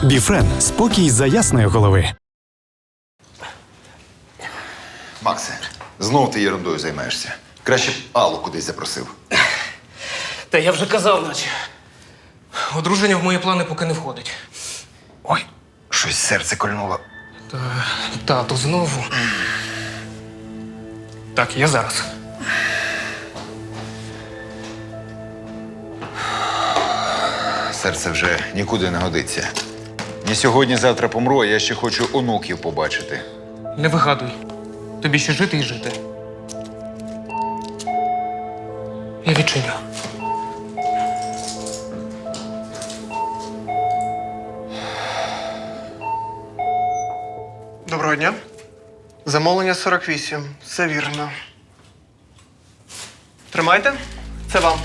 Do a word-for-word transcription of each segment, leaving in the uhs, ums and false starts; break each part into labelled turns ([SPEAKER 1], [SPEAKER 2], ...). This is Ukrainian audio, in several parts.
[SPEAKER 1] Біфрен – спокій за ясної голови.
[SPEAKER 2] Максе, знов ти ерундою займаєшся. Краще б Аллу кудись запросив.
[SPEAKER 3] Та я вже казав, наче. Одруження в мої плани поки не входить.
[SPEAKER 2] Ой, щось серце кольнуло.
[SPEAKER 3] Та, тату, знову. Так, я зараз.
[SPEAKER 2] Серце вже нікуди не годиться. Ні сьогодні-завтра помру, а я ще хочу онуків побачити.
[SPEAKER 3] Не вигадуй. Тобі ще жити і жити. Я відчиню.
[SPEAKER 4] Доброго дня. Замовлення сорок вісім. Все вірно. Тримайте. Це вам.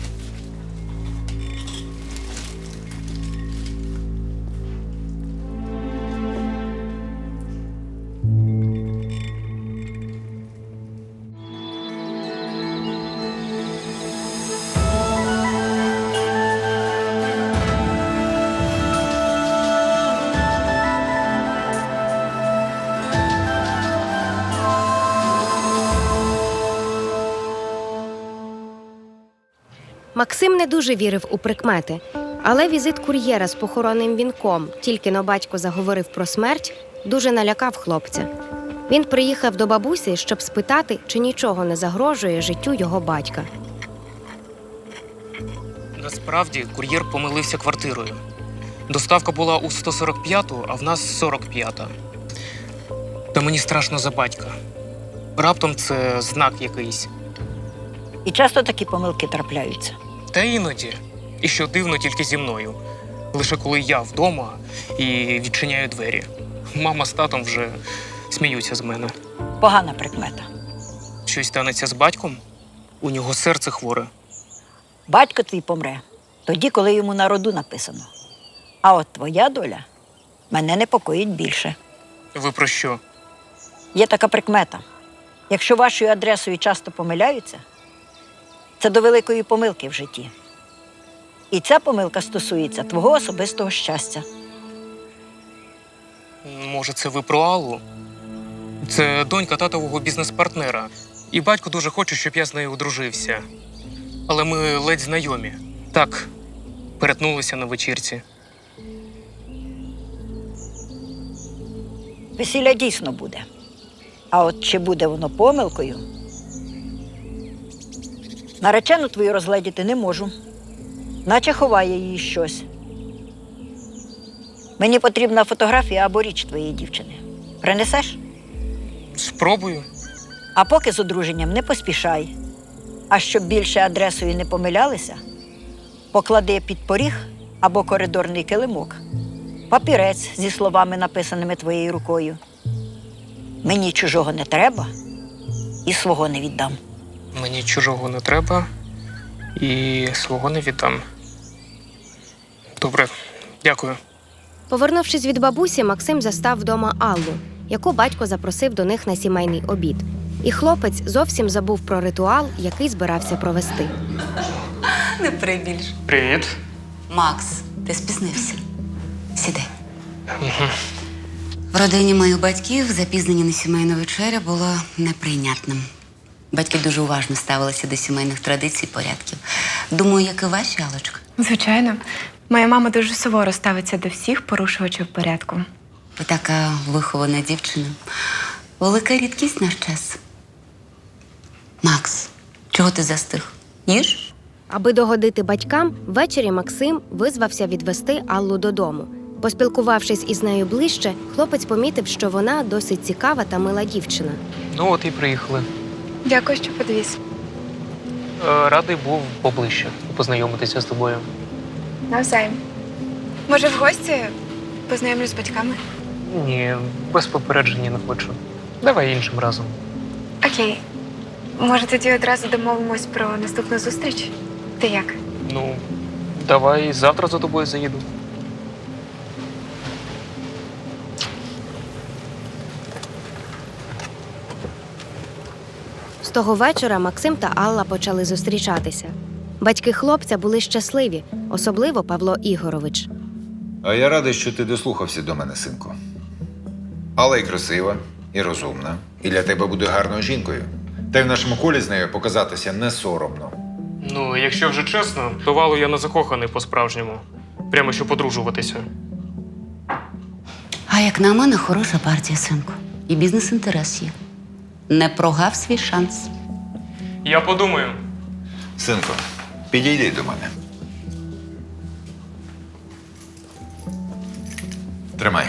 [SPEAKER 5] Максим не дуже вірив у прикмети, але візит кур'єра з похоронним вінком, тільки но батько заговорив про смерть, дуже налякав хлопця. Він приїхав до бабусі, щоб спитати, чи нічого не загрожує життю його батька.
[SPEAKER 3] Насправді, кур'єр помилився квартирою. Доставка була у сто сорок п'яту, а в нас сорок п'ята. Та мені страшно за батька. Раптом це знак якийсь.
[SPEAKER 6] І часто такі помилки трапляються.
[SPEAKER 3] Та іноді. І що дивно, тільки зі мною. Лише коли я вдома і відчиняю двері. Мама з татом вже сміються з мене.
[SPEAKER 6] Погана прикмета.
[SPEAKER 3] Щось станеться з батьком? У нього серце хворе.
[SPEAKER 6] Батько твій помре тоді, коли йому на роду написано. А от твоя доля мене непокоїть більше.
[SPEAKER 3] Ви про що?
[SPEAKER 6] Є така прикмета. Якщо вашою адресою часто помиляються, це до великої помилки в житті. І ця помилка стосується твого особистого щастя.
[SPEAKER 3] Може, це ви про Аллу? Це донька татового бізнес-партнера. І батько дуже хоче, щоб я з нею одружився. Але ми ледь знайомі. Так, перетнулися на вечірці.
[SPEAKER 6] Весілля дійсно буде. А от чи буде воно помилкою? Наречену твою розгледіти не можу. Наче ховає її щось. Мені потрібна фотографія або річ твоєї дівчини. Принесеш?
[SPEAKER 3] Спробую.
[SPEAKER 6] А поки з одруженням не поспішай. А щоб більше адресою не помилялися, поклади під поріг або коридорний килимок папірець зі словами, написаними твоєю рукою. Мені чужого не треба і свого не віддам.
[SPEAKER 3] Мені чужого не треба і свого не віддам. Добре, дякую.
[SPEAKER 5] Повернувшись від бабусі, Максим застав вдома Аллу, яку батько запросив до них на сімейний обід. І хлопець зовсім забув про ритуал, який збирався провести.
[SPEAKER 7] Не прибільш.
[SPEAKER 3] Привіт.
[SPEAKER 7] Макс, ти спізнився. Сідай. В родині моїх батьків запізнення на сімейну вечерю було неприйнятним. Батьки дуже уважно ставилися до сімейних традицій і порядків. Думаю, як і ваші, Аллочка.
[SPEAKER 8] Звичайно. Моя мама дуже суворо ставиться до всіх порушувачів порядку.
[SPEAKER 7] Ви така вихована дівчина. Велика рідкість наш час. Макс, чого ти застиг? Їж?
[SPEAKER 5] Аби догодити батькам, ввечері Максим визвався відвести Аллу додому. Поспілкувавшись із нею ближче, хлопець помітив, що вона досить цікава та мила дівчина.
[SPEAKER 3] Ну от і приїхали.
[SPEAKER 8] Дякую, що підвіз.
[SPEAKER 3] Е, Радий був поближче познайомитися з тобою.
[SPEAKER 8] Навзаєм. Може, в гості познайомлюсь з батьками?
[SPEAKER 3] Ні, без попередження не хочу. Давай іншим разом.
[SPEAKER 8] Окей. Може, тоді одразу домовимось про наступну зустріч? Ти як?
[SPEAKER 3] Ну, давай завтра за тобою заїду.
[SPEAKER 5] З того вечора Максим та Алла почали зустрічатися. Батьки хлопця були щасливі, особливо Павло Ігорович.
[SPEAKER 2] А я радий, що ти дослухався до мене, синку. Алла і красива, і розумна, і для тебе буде гарною жінкою. Та й в нашому колі з нею показатися не соромно.
[SPEAKER 3] Ну, якщо вже чесно, то в Аллу я не закоханий по-справжньому. Прямо щоб одружуватися.
[SPEAKER 7] А як на мене, хороша партія, синку. І бізнес-інтерес є. Не прогав свій шанс.
[SPEAKER 3] Я подумаю.
[SPEAKER 2] Синку, підійди до мене. Тримай.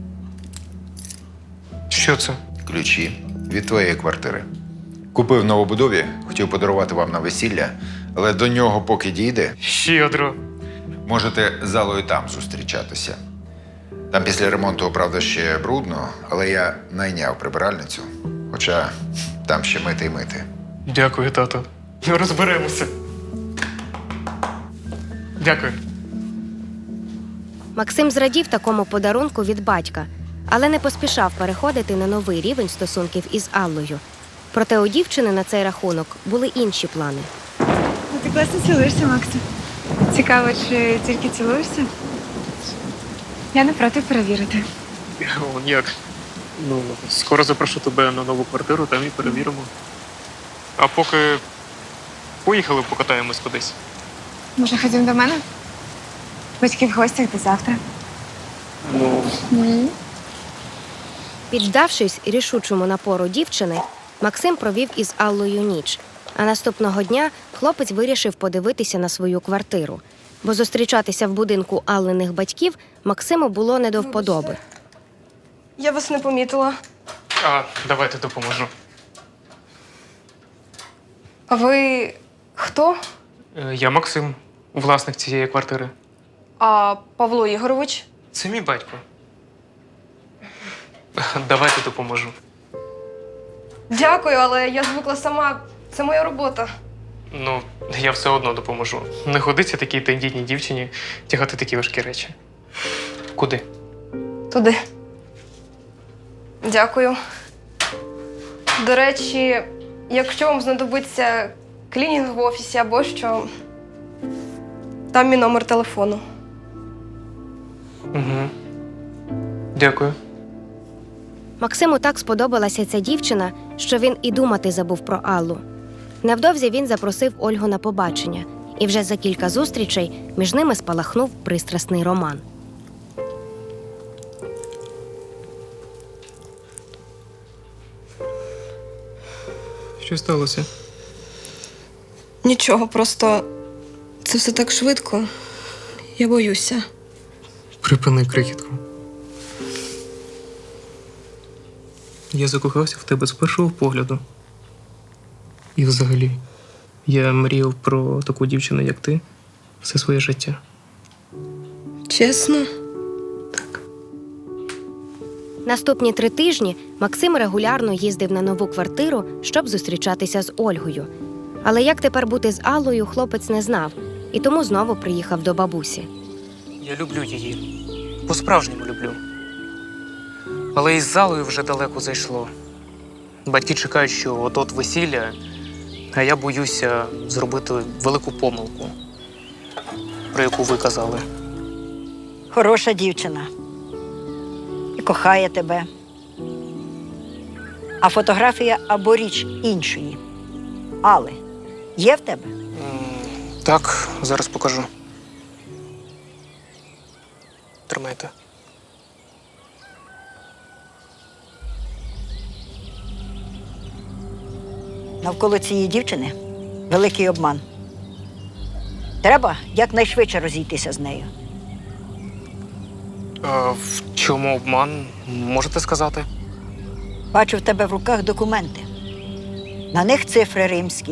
[SPEAKER 3] Що це?
[SPEAKER 2] Ключі від твоєї квартири. Купив в новобудові, хотів подарувати вам на весілля, але до нього поки дійде,
[SPEAKER 3] Щедро.
[SPEAKER 2] можете з Аллою там зустрічатися. Там після ремонту, правда, ще брудно, але я найняв прибиральницю. Хоча там ще мити й мити.
[SPEAKER 3] Дякую, тато. Розберемося. Дякую.
[SPEAKER 5] Максим зрадів такому подарунку від батька, але не поспішав переходити на новий рівень стосунків із Аллою. Проте у дівчини на цей рахунок були інші плани.
[SPEAKER 8] Ну, ти класно цілуєшся, Макса. Цікаво, чи тільки цілуєшся? Я не проти перевірити.
[SPEAKER 3] О, як? Ну, скоро запрошу тебе на нову квартиру, там і перевіримо. А поки поїхали, покатаємось кудись.
[SPEAKER 8] Може, ходім до мене? Батьки в гостях до завтра.
[SPEAKER 3] Ну,
[SPEAKER 5] Піддавшись рішучому напору дівчини, Максим провів із Аллою ніч. А наступного дня хлопець вирішив подивитися на свою квартиру, бо зустрічатися в будинку Аллиних батьків Максиму було не до вподоби.
[SPEAKER 9] Я вас не помітила.
[SPEAKER 3] а давайте допоможу.
[SPEAKER 9] А ви хто?
[SPEAKER 3] Е, Я Максим, власник цієї квартири.
[SPEAKER 9] А Павло Ігорович?
[SPEAKER 3] Це мій батько. Давайте допоможу.
[SPEAKER 9] Дякую, але я звикла сама. Це моя робота.
[SPEAKER 3] Ну, я все одно допоможу. Не годиться такій тендітній дівчині тягати такі важкі речі. Куди?
[SPEAKER 9] Туди. Дякую. До речі, якщо вам знадобиться клінінг в офісі або що, там мій номер телефону.
[SPEAKER 3] Угу. Дякую.
[SPEAKER 5] Максиму так сподобалася ця дівчина, що він і думати забув про Аллу. Невдовзі він запросив Ольгу на побачення, і вже за кілька зустрічей між ними спалахнув пристрасний роман.
[SPEAKER 3] Що сталося?
[SPEAKER 9] Нічого, просто це все так швидко. Я боюся.
[SPEAKER 3] Припини крихітку. Я закохався в тебе з першого погляду. І взагалі, я мріяв про таку дівчину, як ти, все своє життя.
[SPEAKER 9] Чесно?
[SPEAKER 5] Наступні три тижні Максим регулярно їздив на нову квартиру, щоб зустрічатися з Ольгою. Але як тепер бути з Аллою, хлопець не знав, і тому знову приїхав до бабусі.
[SPEAKER 3] Я люблю її. По-справжньому люблю. Але із залою вже далеко зайшло. Батьки чекають, що от-от весілля, а я боюся зробити велику помилку, про яку ви казали.
[SPEAKER 6] Хороша дівчина. І кохає тебе. А фотографія або річ іншої. Алли, є в тебе?
[SPEAKER 3] М, Так, зараз покажу. Тримайте.
[SPEAKER 6] Навколо цієї дівчини великий обман. Треба якнайшвидше розійтися з нею.
[SPEAKER 3] А в чому обман? Можете сказати?
[SPEAKER 6] Бачу в тебе в руках документи. На них цифри римські.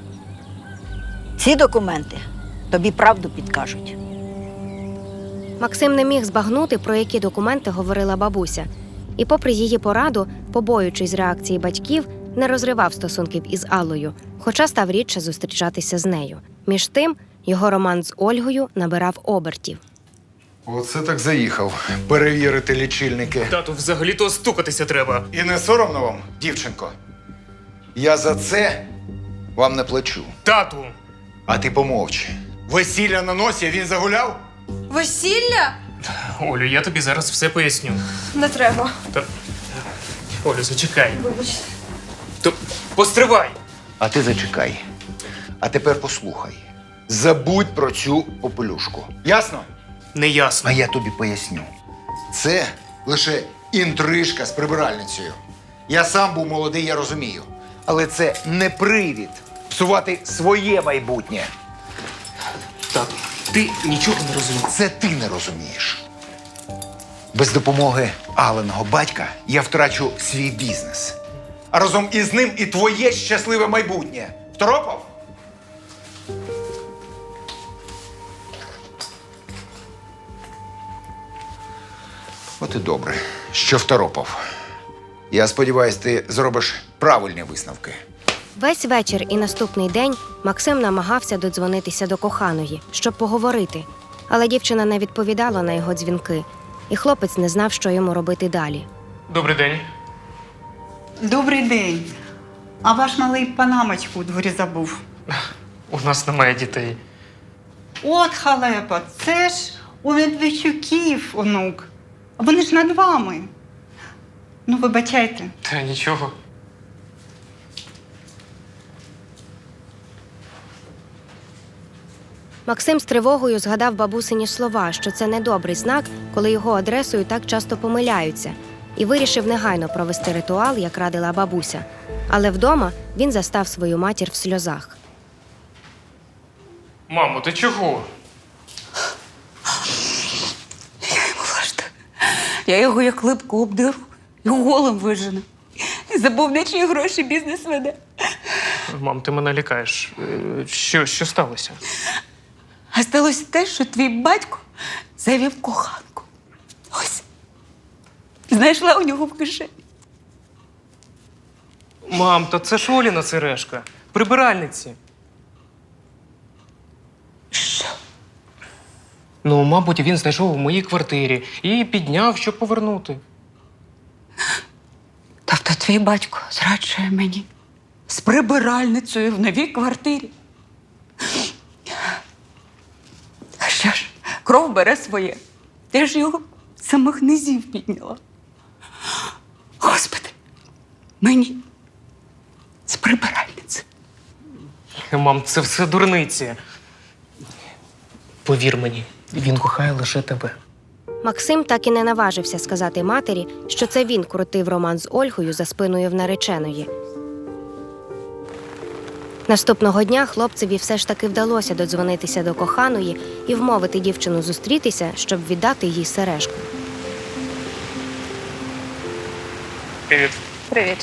[SPEAKER 6] Ці документи тобі правду підкажуть.
[SPEAKER 5] Максим не міг збагнути, про які документи говорила бабуся. І попри її пораду, побоюючись реакції батьків, не розривав стосунків із Аллою, хоча став рідше зустрічатися з нею. Між тим, його роман з Ольгою набирав обертів.
[SPEAKER 2] Оце так заїхав. Перевірити лічильники.
[SPEAKER 3] Тату, взагалі-то стукатися треба.
[SPEAKER 2] І не соромно вам, дівчинко? Я за це вам не плачу.
[SPEAKER 3] Тату!
[SPEAKER 2] А ти помовчи. Весілля на носі, він загуляв?
[SPEAKER 9] Весілля?
[SPEAKER 3] Олю, я тобі зараз все поясню.
[SPEAKER 9] Не треба.
[SPEAKER 3] Та... Олю, зачекай.
[SPEAKER 9] Вибач.
[SPEAKER 3] То постривай.
[SPEAKER 2] А ти зачекай. А тепер послухай. Забудь про цю попелюшку. Ясно?
[SPEAKER 3] Неясно.
[SPEAKER 2] А я тобі поясню. Це лише інтрижка з прибиральницею. Я сам був молодий, я розумію. Але це не привід псувати своє майбутнє.
[SPEAKER 3] Так, ти нічого не розумієш.
[SPEAKER 2] Це ти не розумієш. Без допомоги Алленого батька я втрачу свій бізнес. А разом із ним і твоє щасливе майбутнє. Второпав? От і добре, що второпав. Я сподіваюся, ти зробиш правильні висновки.
[SPEAKER 5] Весь вечір і наступний день Максим намагався додзвонитися до коханої, щоб поговорити. Але дівчина не відповідала на його дзвінки, і хлопець не знав, що йому робити далі.
[SPEAKER 3] Добрий день.
[SPEAKER 10] Добрий день. А ваш малий панамочку у дворі забув.
[SPEAKER 3] У нас немає дітей.
[SPEAKER 10] От халепа, це ж у Медведчуків онук. А вони ж над вами. Ну, вибачайте.
[SPEAKER 3] Та нічого.
[SPEAKER 5] Максим з тривогою згадав бабусині слова, що це недобрий знак, коли його адресою так часто помиляються, і вирішив негайно провести ритуал, як радила бабуся. Але вдома він застав свою матір в сльозах.
[SPEAKER 3] Мамо, ти чого?
[SPEAKER 7] Я йому важко. Я його як липку обдеру і голим вижену. І забув, на чиї гроші бізнес веде.
[SPEAKER 3] Мам, ти мене лякаєш. Е, Що, що сталося?
[SPEAKER 7] А сталося те, що твій батько завів коханку. Ось. Знайшла у нього в кишені.
[SPEAKER 3] Мам, та це ж Оліна сережка. Прибиральниці.
[SPEAKER 7] Що?
[SPEAKER 3] Ну, мабуть, він знайшов у моїй квартирі і підняв, щоб повернути.
[SPEAKER 7] Тобто твій батько зраджує мені з прибиральницею в новій квартирі. А що ж, кров бере своє. Я ж його з самих низів підняла. Господи, мені з прибиральниці.
[SPEAKER 3] Мам, це все дурниці. Повір мені, він кохає лише тебе.
[SPEAKER 5] Максим так і не наважився сказати матері, що це він крутив роман з Ольгою за спиною в нареченої. Наступного дня хлопцеві все ж таки вдалося додзвонитися до коханої і вмовити дівчину зустрітися, щоб віддати їй сережку.
[SPEAKER 3] Привіт.
[SPEAKER 9] Привіт.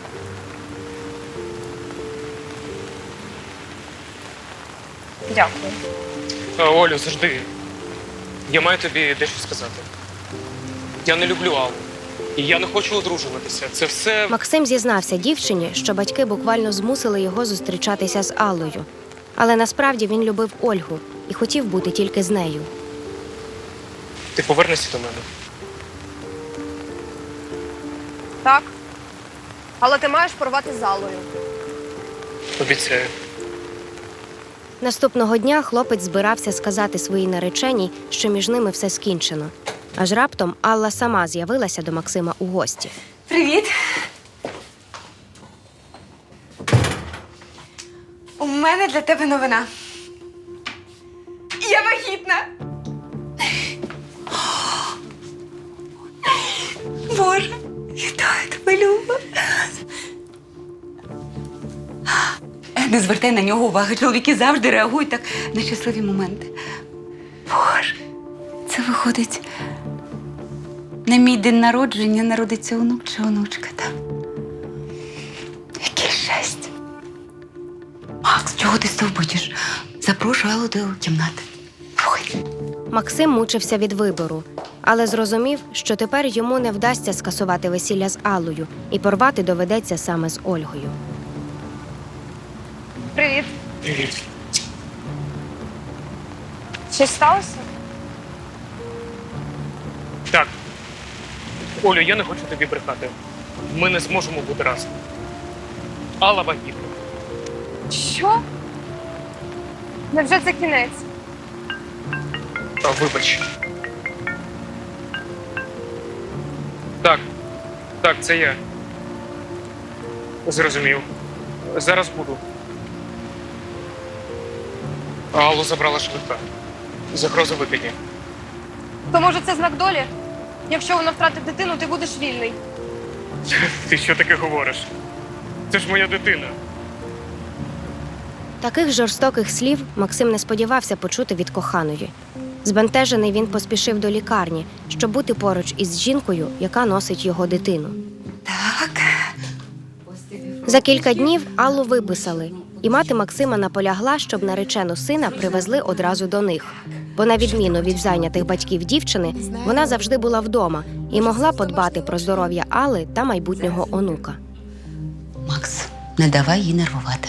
[SPEAKER 9] Дякую.
[SPEAKER 3] А, Олю, завжди. Я маю тобі дещо сказати. Я не люблю Аллу. І я не хочу одружуватися. Це все...
[SPEAKER 5] Максим зізнався дівчині, що батьки буквально змусили його зустрічатися з Аллою. Але насправді він любив Ольгу і хотів бути тільки з нею.
[SPEAKER 3] Ти повернешся до мене?
[SPEAKER 9] Так. Але ти маєш порвати з Аллою.
[SPEAKER 3] Обіцяю.
[SPEAKER 5] Наступного дня хлопець збирався сказати своїй нареченій, що між ними все скінчено. Аж раптом Алла сама з'явилася до Максима у гості.
[SPEAKER 8] Привіт. У мене для тебе новина. Я вагітна.
[SPEAKER 7] Боже, вітаю тебе, Люба. Не звертай на нього уваги. Чоловіки завжди реагують так на щасливі моменти. Боже, це виходить, на мій день народження народиться онук чи онучка, так? Яке щастя. Макс, чого ти стовбичиш? Запрошую Аллу до кімнати. Виходь.
[SPEAKER 5] Максим мучився від вибору, але зрозумів, що тепер йому не вдасться скасувати весілля з Аллою і порвати доведеться саме з Ольгою.
[SPEAKER 9] Привіт.
[SPEAKER 3] Привіт.
[SPEAKER 9] Щось сталося?
[SPEAKER 3] Так. Олю, я не хочу тобі брехати. Ми не зможемо бути разом. Алла вагітна.
[SPEAKER 9] Що? Невже це кінець?
[SPEAKER 3] А, вибач. Так, так, це я. Зрозумів. Зараз буду. Аллу забрала швидка. Загроза викидні.
[SPEAKER 9] То може це знак долі? Якщо вона втратить дитину, ти будеш вільний.
[SPEAKER 3] Ти що таке говориш? Це ж моя дитина.
[SPEAKER 5] Таких жорстоких слів Максим не сподівався почути від коханої. Збентежений він поспішив до лікарні, щоб бути поруч із жінкою, яка носить його дитину.
[SPEAKER 7] Так.
[SPEAKER 5] За кілька днів Аллу виписали, і мати Максима наполягла, щоб наречену сина привезли одразу до них. Бо на відміну від зайнятих батьків дівчини, вона завжди була вдома і могла подбати про здоров'я Алли та майбутнього онука.
[SPEAKER 7] Макс, не давай їй нервувати.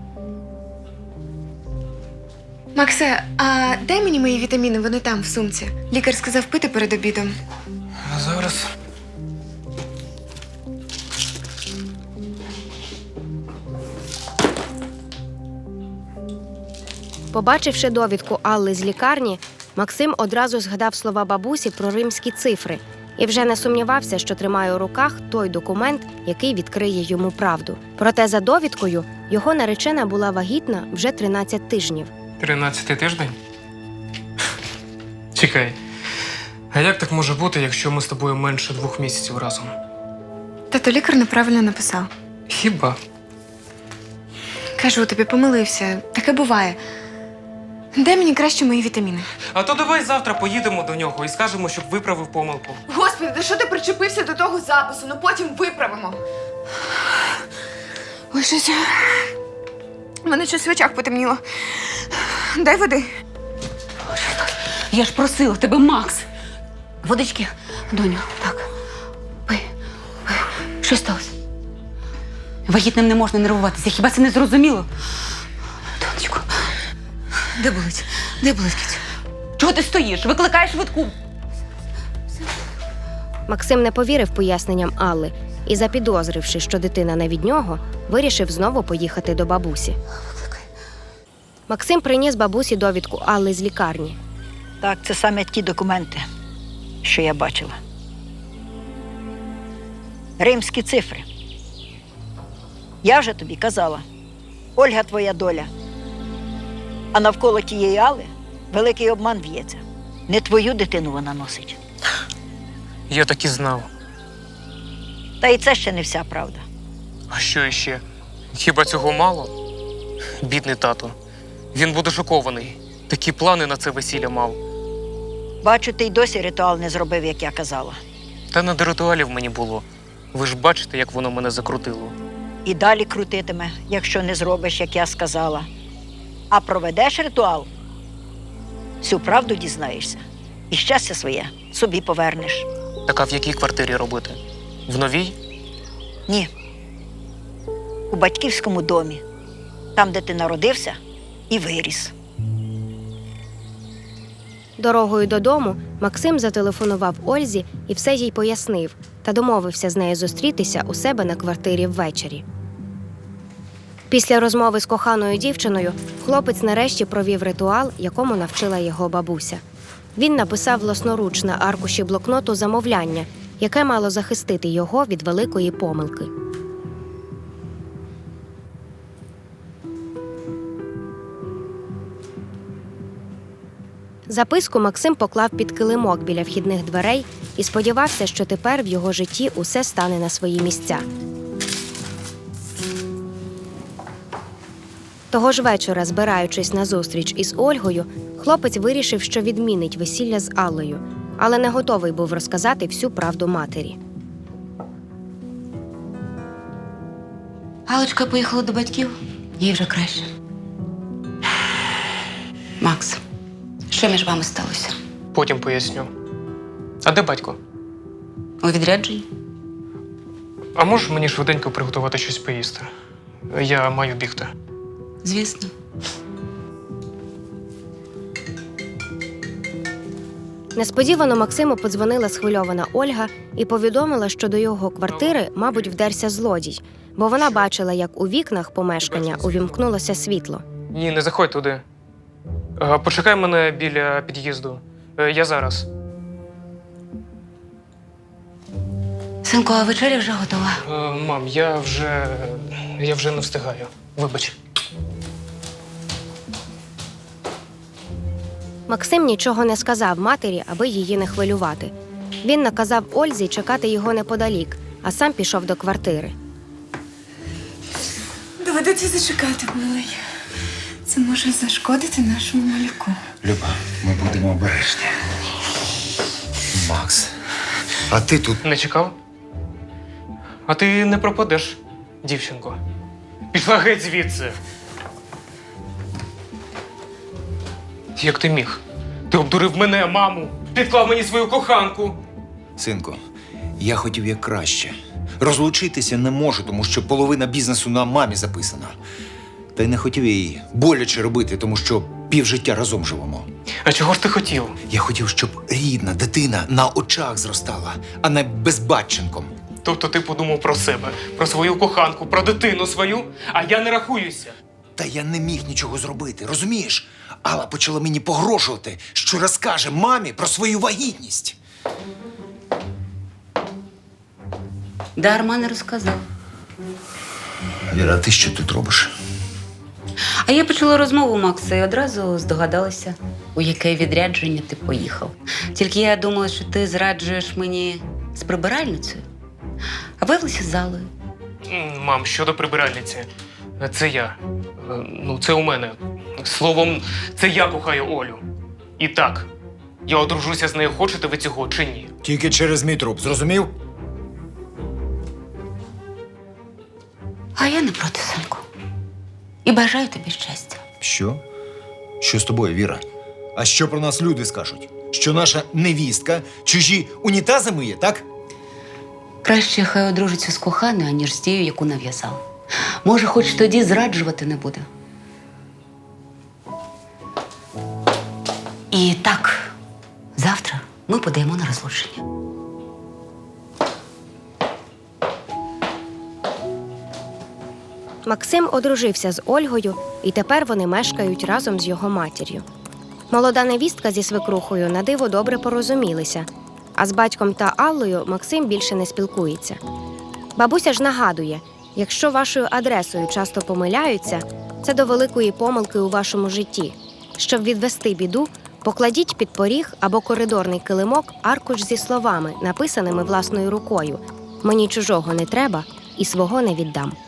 [SPEAKER 8] Максе, а дай мені мої вітаміни, вони там, в сумці. Лікар сказав пити перед обідом.
[SPEAKER 3] Зараз.
[SPEAKER 5] Побачивши довідку Алли з лікарні, Максим одразу згадав слова бабусі про римські цифри і вже не сумнівався, що тримає у руках той документ, який відкриє йому правду. Проте за довідкою його наречена була вагітна вже тринадцять тижнів.
[SPEAKER 3] Тринадцятий тиждень? Чекай. А як так може бути, якщо ми з тобою менше двох місяців разом?
[SPEAKER 8] Тато лікар неправильно написав.
[SPEAKER 3] Хіба?
[SPEAKER 8] Кажу тобі, помилився. Таке буває. Дай мені краще мої вітаміни.
[SPEAKER 3] А то давай завтра поїдемо до нього і скажемо, щоб виправив помилку.
[SPEAKER 8] Господи, та що ти причепився до того запису? Ну потім виправимо. Ой, щось. У мене щось в очах потемніло. Дай води.
[SPEAKER 7] Я ж просила тебе, Макс. Водички, доню, так. Пий, пий. Що сталося? Вагітним не можна нервуватися. Хіба це не зрозуміло? Донечко, де болить? Де болить, Кітю? Чого ти стоїш? Викликаєш швидку.
[SPEAKER 5] Максим не повірив поясненням Алли і, запідозривши, що дитина не від нього, вирішив знову поїхати до бабусі. Максим приніс бабусі довідку Алли з лікарні.
[SPEAKER 6] Так, це саме ті документи, що я бачила. Римські цифри. Я вже тобі казала, Ольга твоя доля. А навколо тієї Алли великий обман в'ється. Не твою дитину вона носить.
[SPEAKER 3] Я так і знав.
[SPEAKER 6] Та і це ще не вся правда.
[SPEAKER 3] А що іще? Хіба цього мало? Бідний тато. Він буде шокований. Такі плани на це весілля мав.
[SPEAKER 6] Бачу, ти й досі ритуал не зробив, як я казала.
[SPEAKER 3] Та не до ритуалів мені було. Ви ж бачите, як воно мене закрутило.
[SPEAKER 6] І далі крутитиме, якщо не зробиш, як я сказала. А проведеш ритуал, всю правду дізнаєшся. І щастя своє собі повернеш.
[SPEAKER 3] Так а в якій квартирі робити? В новій?
[SPEAKER 6] Ні. У батьківському домі. Там, де ти народився і виріс.
[SPEAKER 5] Дорогою додому Максим зателефонував Ользі і все їй пояснив та домовився з нею зустрітися у себе на квартирі ввечері. Після розмови з коханою дівчиною хлопець нарешті провів ритуал, якому навчила його бабуся. Він написав власноруч на аркуші блокноту замовляння, яке мало захистити його від великої помилки. Записку Максим поклав під килимок біля вхідних дверей і сподівався, що тепер в його житті усе стане на свої місця. Того ж вечора, збираючись на зустріч із Ольгою, хлопець вирішив, що відмінить весілля з Аллою, але не готовий був розказати всю правду матері.
[SPEAKER 7] Галочка поїхала до батьків, їй вже краще. Макс, що між вами сталося?
[SPEAKER 3] Потім поясню. А де батько?
[SPEAKER 7] У відрядженні?
[SPEAKER 3] А можеш мені швиденько приготувати щось поїсти? Я маю бігти.
[SPEAKER 7] Звісно.
[SPEAKER 5] Несподівано Максиму подзвонила схвильована Ольга і повідомила, що до його квартири, мабуть, вдерся злодій, бо вона бачила, як у вікнах помешкання увімкнулося світло.
[SPEAKER 3] Ні, не заходь туди. Е, Почекай мене біля під'їзду. Е, Я зараз.
[SPEAKER 7] Синку, а вечеря вже готова.
[SPEAKER 3] Е, мам, я вже. я вже не встигаю. Вибач.
[SPEAKER 5] Максим нічого не сказав матері, аби її не хвилювати. Він наказав Ользі чекати його неподалік, а сам пішов до квартири.
[SPEAKER 8] Доведеться зачекати, милий. Це може зашкодити нашому малюку.
[SPEAKER 2] Люба, ми будемо обережні. Макс, а ти тут.
[SPEAKER 3] Не чекав? А ти не пропадеш, дівчинко. Пішла геть звідси. Як ти міг? Ти обдурив мене, маму, підклав мені свою коханку.
[SPEAKER 11] Синку, я хотів як краще. Розлучитися не можу, тому що половина бізнесу на мамі записана. Та й не хотів я її боляче робити, тому що півжиття разом живемо.
[SPEAKER 3] А чого ж ти хотів?
[SPEAKER 11] Я хотів, щоб рідна дитина на очах зростала, а не безбатченком.
[SPEAKER 3] Тобто ти подумав про себе, про свою коханку, про дитину свою, а я не рахуюся.
[SPEAKER 11] Та я не міг нічого зробити, розумієш? Алла почала мені погрожувати, що розкаже мамі про свою вагітність.
[SPEAKER 7] Дарма не розказав.
[SPEAKER 11] Віра, а ти що тут робиш?
[SPEAKER 7] А я почула розмову Макса і одразу здогадалася, у яке відрядження ти поїхав. Тільки я думала, що ти зраджуєш мені з прибиральницею, а виявилася з Залою.
[SPEAKER 3] М, Мам, щодо прибиральниці, це я. Е, Ну, це у мене. Словом, це я кохаю Олю. І так, я одружуся з нею, хочете ви цього чи ні?
[SPEAKER 11] Тільки через мій труп, зрозумів?
[SPEAKER 7] А я не проти, синку. І бажаю тобі щастя.
[SPEAKER 11] Що? Що з тобою, Віра? А що про нас люди скажуть? Що наша невістка чужі унітази миє, так?
[SPEAKER 7] Краще хай одружиться з коханою, аніж з тією, яку нав'язав. Може, хоч тоді зраджувати не буде. І так, завтра ми подаємо на розлучення.
[SPEAKER 5] Максим одружився з Ольгою, і тепер вони мешкають разом з його матір'ю. Молода невістка зі свекрухою на диво добре порозумілися, а з батьком та Аллою Максим більше не спілкується. Бабуся ж нагадує, якщо вашою адресою часто помиляються, це до великої помилки у вашому житті. Щоб відвести біду, покладіть під поріг або коридорний килимок аркуш зі словами, написаними власною рукою «Мені чужого не треба і свого не віддам».